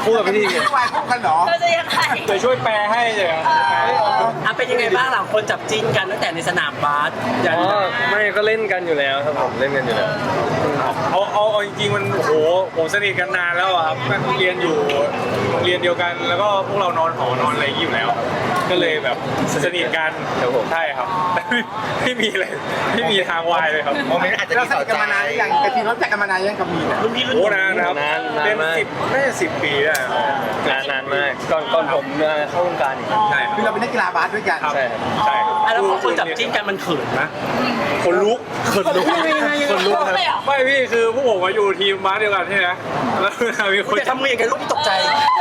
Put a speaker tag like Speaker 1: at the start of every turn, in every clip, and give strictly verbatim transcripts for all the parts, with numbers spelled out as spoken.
Speaker 1: คู่กับพี่ทีเนี่ย
Speaker 2: วายคู่กันเหรอ
Speaker 3: เราจะยังไง
Speaker 4: เดี๋ยวช่วยแปลให้เลย
Speaker 5: อ่ะเป็นยังไงบ้างหลังคนจับจิ้นกันตั้งแต่ในสนามบาสยัน
Speaker 1: อ๋อไม่ก็เล่นกันอยู่แล้วครับผมเล่นกันอยู่แล้ว
Speaker 4: เอาเอาเอาจริงๆมันโอ้โหผมสนิทกันนานแล้วอะครับเรียนอยู่โรงเรียนเดียวกัน แล้วก็พวกเรานอนหอนอนอะไรอย่างนี้อยู่แล้ว ก็เลยแบบสนิทกันครับผมใช่ครับแต่ไม่ไม่มีเลยไม่มีทางวายเลยครับ
Speaker 2: โมเมนต์อาจจะเราสนิทกันมานานหรือยังกะทิรู้จักกันมานานยังกับมีเนี่ย
Speaker 5: รุ่นพี่รุ่น
Speaker 4: โอ้
Speaker 5: น้อง
Speaker 4: นานนะครับ
Speaker 1: นานนาน
Speaker 4: เป็น
Speaker 1: มาก
Speaker 4: สิบน่าจะสิบปีได้ครับ
Speaker 1: นานนานมากก่อนก่อนผมมาเข้าวงการอีก
Speaker 4: ใช่ค
Speaker 2: คือ
Speaker 4: รับ
Speaker 2: เราเป็นนักกีฬาบาสด้วยกัน
Speaker 1: ใช่ครับ
Speaker 4: ใช่ครับ
Speaker 5: อ่ะแล้วพอคนจับจิ้นกันมันเขินนะ
Speaker 4: คนลุก
Speaker 5: คนลุกคนลุกครับ
Speaker 3: เลยเหรอ
Speaker 4: ไม่พี่คือพวกผมมาอยู่ทีมบาสเดียวกันใช่ไหมแล้วเวลามีคน
Speaker 5: จะทำมืออย่างไรลูกพี่ตกใจ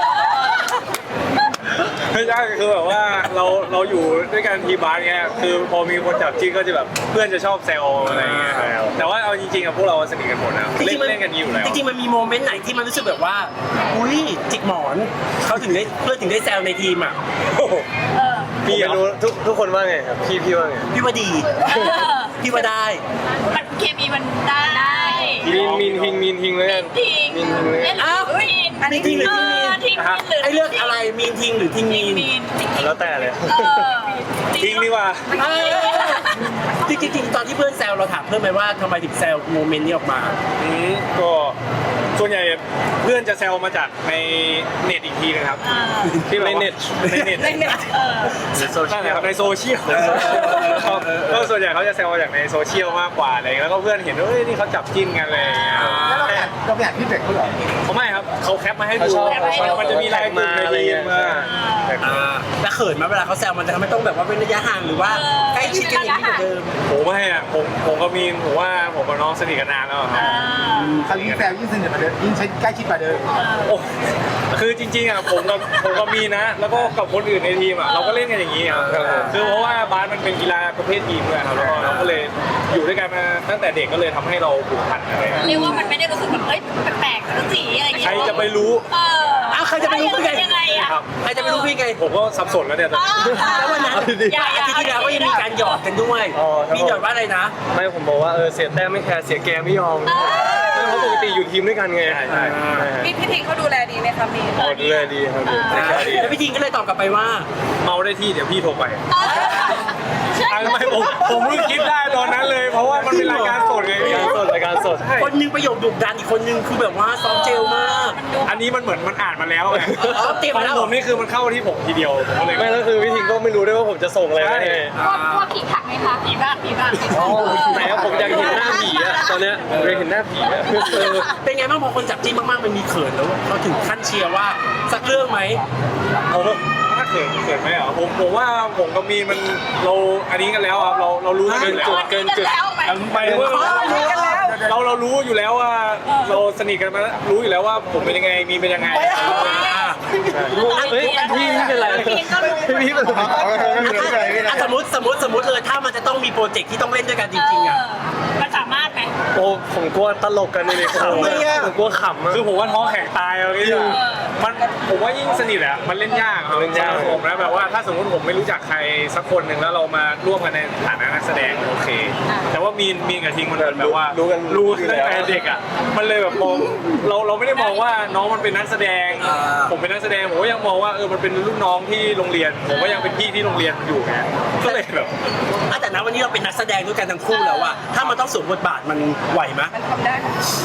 Speaker 4: ไม่ใช่คือแบบว่าเราเราอยู่ด้วยกันทีมบาสเงี้ยคือพอมีคนจับจิ้นก็จะแบบเพื่อนจะชอบแซวอะไรเงี้ยแต่ว่าเอาจริงๆอะพวกเราสนิทกันหมดนะ
Speaker 5: จ
Speaker 4: เล่
Speaker 5: ริ
Speaker 4: น
Speaker 5: งๆมัน
Speaker 4: เล่นกันอยู่แล้ว
Speaker 5: จริงๆมันมีโมเมนต์ไหนที่มันรู้สึกแบบว่า อุ้ยจิกหมอนเขาถึงได้เพื่อนถึงได้แซวในทีมอ่ะ
Speaker 4: โอ้โห
Speaker 3: เออ
Speaker 1: พี่อยากรู้ทุกทุกคนว่าไงครับพี่พี่ว่าไง
Speaker 5: พี่ว่าดี
Speaker 3: เออ
Speaker 5: พี่ว่าได้
Speaker 3: มันเคมีมันได้
Speaker 1: มีนมีนทิงมีนทิงเลยกัน
Speaker 3: ทิ้ง
Speaker 1: มีนทิงเลยกัน
Speaker 3: อ้าวทิ้ง
Speaker 5: อันนี้ทิ้งหรือทิ้งมีน
Speaker 3: ทิ้งหรือ
Speaker 5: ไอ้เลือกอะไรมีนทิงหรือทิงมี
Speaker 3: ทิ้ง
Speaker 5: น
Speaker 3: มีนทิ้ง
Speaker 1: แล้วแต่เลย
Speaker 3: เออ
Speaker 4: ทิ้งดีกว่า
Speaker 5: เออจริงๆจริงๆตอนที่เพื่อนแซวเราถามเพื่อนไหมว่าทำไมถึงแซวโมเมนต์นี้ออกมา
Speaker 4: อืมก็ส่วนใหญ่เพื่อนจะแซวมาจากในเน็ตอีกทีนะครับ
Speaker 3: อ่า
Speaker 4: ที่แบบ
Speaker 1: ใน
Speaker 4: ว่า
Speaker 1: เน็ต
Speaker 4: ในเน็ต
Speaker 3: เล่นเนี่ยเออ
Speaker 4: นั่นแหละครับในโซเชียลครับก็ส่วนใหญ่เขาจะแซวมาจากในโซเชียลมากกว่าอะไรอย่างเงี้ยแล้วก็เพื่อนเห็นว่าเฮ้ยนี่เขาจับจิ้นกันอะไรอย่างเลย
Speaker 2: แล้วเราไปอ่านเราไปอ่านพี่เด็กเขาเหรอ
Speaker 4: เขาไม่ครับเขาแคปมาให้
Speaker 1: เขา
Speaker 4: ดู
Speaker 1: ชอบเขาชอบ
Speaker 4: มันจะมีลายกลุ่มในทีมมา
Speaker 5: อ่าแล้วเขินไหมเวลาเขาแซวมันจะทำให้ต้องแบบว่าเป็นระยะห่างหรือว่าใกล้ชิดกันอย่างนี้กว่าเดิม
Speaker 4: ผมไม่อะผมผมกับมีนผมว่าผมกับน้องสนิทกันนานแล้วอะครับ
Speaker 2: เขายิ่งแซวยิ่งสนิทกว่าเดิมยิ่งใช้ใกล้ชิดกว่าเดิม
Speaker 4: โอ้คือจริงๆอะผมกับผมกับมีนนะ แล้วก็กับคนอื่นในทีมอะเราก็เล่นกันอย่างนี้ครับคือเพราะว่าบาสมันเป็นกีฬาประเภททีมด้วยครับแล้วก็เราก็เลยอยู่ด้วยกันมาตั้งแต่เด็กก็เลยทำให้เราผูกพันอะไรอย่างเงี้ย
Speaker 3: เรียกว่ามันไม่ได้รู้สึกแบบเอ้ยแปลกๆสักสีอะไรอย่างเงี้
Speaker 4: ใคร
Speaker 3: ย
Speaker 4: จะไปรู้
Speaker 3: เออ
Speaker 5: อ้าวใครจะไปรู้ได้ไง
Speaker 3: ยังไงอะ
Speaker 4: ครับ
Speaker 5: ใครจะไปรู้พี่ไง
Speaker 4: ผมก็สับสนแล้วเนี่ยตอนนี้
Speaker 5: แล้ววันนั้นอาทิตย์ที่แล้วก็ยังมีการหยอดกันด้วย
Speaker 1: อ๋อครับ
Speaker 5: มีหยอดว่าอะไรนะ
Speaker 1: ไม่ผมบอกว่าเออเสียแต้มไม่แคร์เสียแกไม่ยอมไม่เพราะปกติอยู่ทีมด้วยกันไง
Speaker 4: ใช่ใช่
Speaker 6: พี่พี่ทิงเขาดูแลดีไหมคะมี
Speaker 1: โอ้ดูแลดีครับดูแลดี
Speaker 5: แล้วพี่ทิงก็เลยตอบกลับไปว่า
Speaker 4: เมาได้ที่เดี๋ยวพี่โทรไป
Speaker 3: เออใช่
Speaker 4: อ่ะทำไมผมผมเพิ่งคิดได้ตอนนั้นเลย เพราะว่ามันเป็นรายการสดไง
Speaker 1: รายการสดรายการสด
Speaker 4: ใช่
Speaker 5: คนหนึงประโยคดุดันอีกคนหนึงคือแบบว่าซอฟต์เจลมาก
Speaker 4: อันนี้มันเหมือนมันอ่านมาแล้วไง
Speaker 5: อ๋อเตรียม
Speaker 4: ขอ
Speaker 5: มาง แล้ว
Speaker 4: ผมนี่คือมันเข้าที่ผมทีเดียวผมก็เลย
Speaker 1: ไม่แล้วคือพี่ทิงก็ไม่รู้ด้วยว่าผมจะส่งอะไรไปให้
Speaker 3: พวกพวกขิงขักไหมคะผีบ้างผีบ้าง
Speaker 1: ไหนอะผมอยากเห็นหน้าผีอะตอนเนี้ยผมอยากเห็นหน้าผีอะ
Speaker 5: เออเป็นไงบ้างพอคนจับจิ้นมากๆมันมีเขินแล้วเขาถึงขั้นเชียร์ว่าสักเรื่องไหม
Speaker 4: ผมถ้าเขินเขินไหมเหรอผมผมว่าผมกับมีนมันเราอันนี้กันแล้วครับเราเรารู้กันอยู่แล้ว
Speaker 3: เกินจุดแล้วไป
Speaker 4: ไปว่าเราเรารู้อยู่แล้วว่าเราสนิทกันมาแล้วรู้อยู่แล้วว่าผมเป็นยังไงมีนเป็นยังไง
Speaker 1: เฮ้ยพี่พี่เป็นไรพี่พี่เป็นไร
Speaker 5: อ่ะสมมติสมมติสมมติเลยถ้ามันจะต้องมีโปรเจกต์ที่ต้องเล่นด้วยกันจริงๆอ่ะ
Speaker 3: มันสามารถไหม
Speaker 1: โอ้ผมกลัวตลกกันเลยผมผมกลัวขำอะ
Speaker 4: คือผมว่าท้องแข็งตายเอางี้ดีกว่ามันผมว่ายิ่งสนิทอะมันเล่นยากครับ
Speaker 1: เล่นยาก
Speaker 4: สำหรับผมนะแบบว่าถ้าสมมติผมไม่รู้จักใครสักคนหนึ่งแล้วเรามาร่วมกันในฐานะนักแสดงโอเค แต่ว่ามีนมีนกับทิงมันแบบว่า
Speaker 1: รู้กัน
Speaker 4: รู้ตั้งแต่เด็กอะมันเลยแบบมองเราเราไม่ได้มองว่าน้องมันเป็นนักแสดง ผมเป็นนักแสดงผมก็ยังมองว่าเออมันเป็นรุ่นน้องที่โรงเรียน ผมก็ยังเป็นพี่ที่โรงเรียนอยู่ไงก็เลยแบบ
Speaker 5: อ่ะแต่นะวันนี้เราเป็นนักแสดงด้วยกันทั้งคู่แล้วอะถ้ามันต้องสวมบทบาทมันไหวไหม
Speaker 6: มันทำได้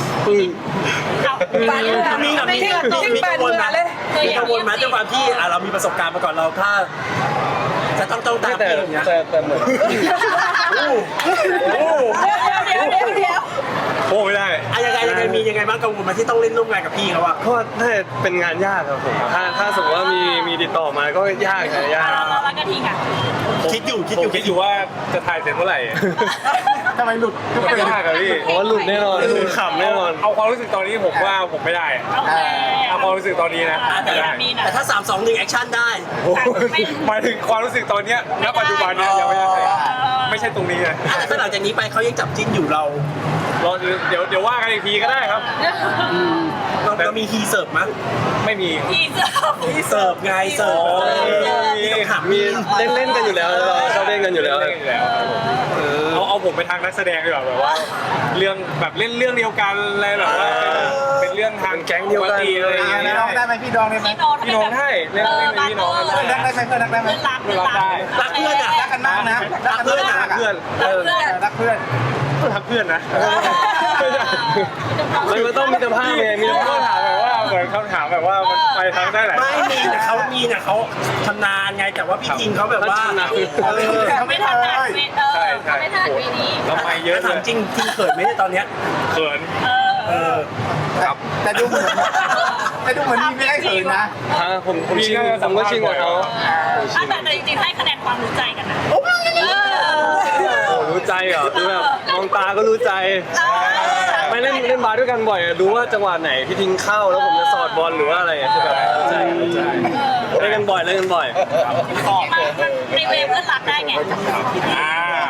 Speaker 3: เอา
Speaker 5: มีกับมีมีมีกังวลไหมมีกังวลไหมด้วยความที่อ่ะเรามีประสบการณ์มาก่อนเราถ้า จะต้องต้องตาม
Speaker 1: แต่
Speaker 5: พี่อย่างเงี้ย
Speaker 1: แต่แต่เหมือน
Speaker 4: โอ้โห
Speaker 3: เดี๋ยวเดี๋ยวเดี๋ยว
Speaker 4: โอ้ไม่ได้
Speaker 5: อ่ะยังไงยังไงมียังไงบ้างกังวลไหมาที่ต้องเล่นร่วมงานกับพี่เขาอะ
Speaker 1: ก็น่าจะเป็นงานยากครับผมถ้าถ้าสมมติว่ามีมีติดต่อมาก็ยากนะยาก
Speaker 3: เราเราแล้วก็ทิ้งอ่ะ
Speaker 5: คิดอยู่คิด
Speaker 4: ผ
Speaker 5: อ
Speaker 4: ม
Speaker 5: ยู่
Speaker 4: คิดอยู่ว่าจะถ่ายเสร็จเมื่อไหร่
Speaker 2: ทำไมหลุดก็
Speaker 4: มัน
Speaker 2: เป็น
Speaker 4: ยากอะพี่
Speaker 1: ผมว่าหลุดแน่นอนหลุดขำแน่นอน
Speaker 4: เอาความรู้สึกตอนนี้ผมว่าผมไม่ได้อะ
Speaker 3: โอเค
Speaker 4: เอาความรู้สึกตอนนี้นะ
Speaker 5: อ่ะแต่
Speaker 4: ไม่ได้
Speaker 3: มีนะ
Speaker 5: แต่ถ้าสามสองหนึ่งแอคชั่นได้
Speaker 4: โอ้โหหมายถึงความรู้สึกตอนเนี้ยณปัจจุบันเนี้ยยังไม่ได้ไม่ใช่ตรงนี้นะ
Speaker 5: อ่ะแต่ถ้าหลังจากนี้ไปเขายังจับจิ้นอยู่เรา
Speaker 4: รอเดี๋ยวเดี๋ยวว่ากันอีกทีก็ได้ครับ
Speaker 5: เราเรามีฮีเสิร์ฟมั้ย
Speaker 4: ไม่มี
Speaker 3: ทีเซอร์
Speaker 5: เสิร์ฟไงเสิร์ฟ
Speaker 4: อ๋อ
Speaker 5: เออ
Speaker 4: มี
Speaker 5: มีต้องถาม
Speaker 1: มีเล่นเล่นกันอยู่แล้วเราชอบเล่นกันอยู่แล้ว
Speaker 4: เล่นกันอยู่แล้วครับผมเอาเอาผมไปทางนักแสดงดีกว่าแบบว่า เรื่องแบบเล่นเรื่องเดียวกันอะไรแบบว่าเป็นเรื่องทาง
Speaker 1: แก๊งเดียวกัน
Speaker 4: ปติอะไรอย่างเงี้ย
Speaker 2: พี่น้องได้ไหมพี่ดองได้ไหม
Speaker 3: พี่โน้ต
Speaker 4: พี่น้องให้เล่นเล่นเป็นพี่น้องกัน
Speaker 2: เพื่อนรักได้ไหมเพื่อนรักได้ไหม
Speaker 3: เพื่อนรักเพื่อนรัก
Speaker 5: รักเพื่อนอ่ะ
Speaker 2: รักกันมากนะรักกันมาก
Speaker 4: รักเพื่อน
Speaker 2: เออรักเพื่อน
Speaker 4: รักเพื่อนนะ
Speaker 1: มันก็ต้องมีสภาพไงมี
Speaker 4: มี
Speaker 1: ส
Speaker 4: คำ
Speaker 1: ภาพ
Speaker 4: ถามแบบว่าเหมือนคำถามแบบว่ามันไปทางได้หลาย
Speaker 5: ไม่มีแต่เขามีแต่เขาชำนาญไงแต่ว่าพี่จริงเขาแบบว่าเออ
Speaker 2: เขา
Speaker 3: ไม่
Speaker 2: ไม่
Speaker 3: ทั
Speaker 2: ทั
Speaker 3: น
Speaker 2: น
Speaker 3: เล
Speaker 2: เลย ย
Speaker 3: เออ
Speaker 4: ใช่ใช่
Speaker 3: ไม่ทันปีนี้
Speaker 4: เราไปเยอะเล
Speaker 5: ถาม
Speaker 4: ย
Speaker 5: จริงจริงเขินไหมเนี่ยตอนเนี้ย
Speaker 4: เขิน
Speaker 3: เออ
Speaker 5: เออ
Speaker 2: แต่ดูเหมือนแต่ดูเหมือนมีไม่ได้เขินนะ
Speaker 1: ฮะผมผมชิงผมก็ชิงกับเขา
Speaker 3: อ่ะแต่แต่จริงๆให้คะแนนความรู้ใจกันนะ
Speaker 1: โอ้รู้ใจเหรอคือแบบมองตาก็รู้ใจ ไม่เล่นเล่นบาสด้วยกันบ่อยอะรู้ว่าจังหวะไหนพี่ทิ้งเข้าแล้วผมจะสอดบอลหรือว่าอะไรอะคือแบบรู้ใจรู้ใจเล่นกันบ่อยเล่นกันบ่อย
Speaker 3: มันมันในเวฟเพื่อนรักได้ไง
Speaker 4: อ่า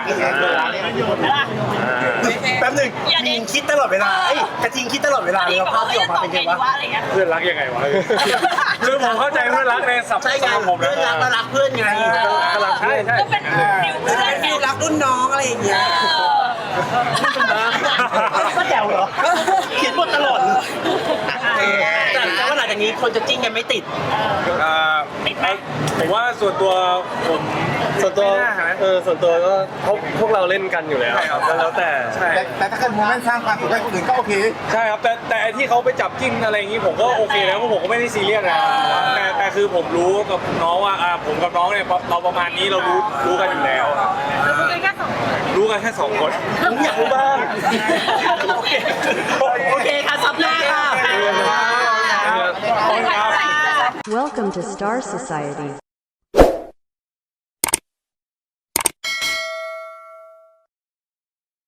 Speaker 5: แป๊บหนึง
Speaker 3: อย่าเด็
Speaker 5: ยิ
Speaker 3: ด
Speaker 5: งคิดตลอดเวลาเอ้ยกระทิงคิดตลอดเวลาเลยว่าภาพที่ออกมาเป็นไงวะ
Speaker 3: อะไรเงี้ย
Speaker 4: เพื่อนรักยังไงวะคือผมเข้าใจเพื่อนรักในสับ
Speaker 5: ใช่ไง
Speaker 4: สำหรับผม
Speaker 5: เพื่อนรั
Speaker 4: นะ
Speaker 5: กมารักเพื่อนไง
Speaker 4: ก็รักใช่ใช่
Speaker 3: ก็เป็นฟิวเพื่อนไง
Speaker 5: ฟิลรักรุ่นน้องอะไรอย่างเงี้ย
Speaker 3: เออ
Speaker 5: ก็แจ๋วเหรอเขียนบทตลอดเลยแต่แต่ว่าหลังจากนี้คนจะจิ้นกันไม่ติด
Speaker 4: อ่าผมว่าส่วนตัวผม
Speaker 1: ส่วนตัว
Speaker 4: ไม่น่านะ
Speaker 1: เออส่วนตัวก็พวกพวกเราเล่นกันอยู่แล้ว
Speaker 4: ใช่ครับ
Speaker 1: ก็แล้วแต่
Speaker 4: ใช่
Speaker 2: แต่แต่ถ้าเกิดโมเมนต์สร้างความสุขให้คนอื่นก็โอเค
Speaker 4: ใช่ครับแต่แต่ไอ้ที่เขาไปจับจิ้นอะไรอย่างนี้ผมก็โอเคแล้วเพราะผมก็ไม่ได้ซีเรียสนะแต่แต่คือผมรู้กับน้องว่าอ่าผมกับน้องเนี่ยเราประมาณนี้เรารู้รู้กันอยู่แล้วครับ
Speaker 3: รู้กันแค่สองคน
Speaker 4: รู้กันแค่สองคน
Speaker 5: ผมอยากรู้บ้าง โอเค โอเคค่ะซับหน้าค่ะ
Speaker 4: ขอบคุณครับ
Speaker 3: ใคร
Speaker 7: Welcome to Star Society.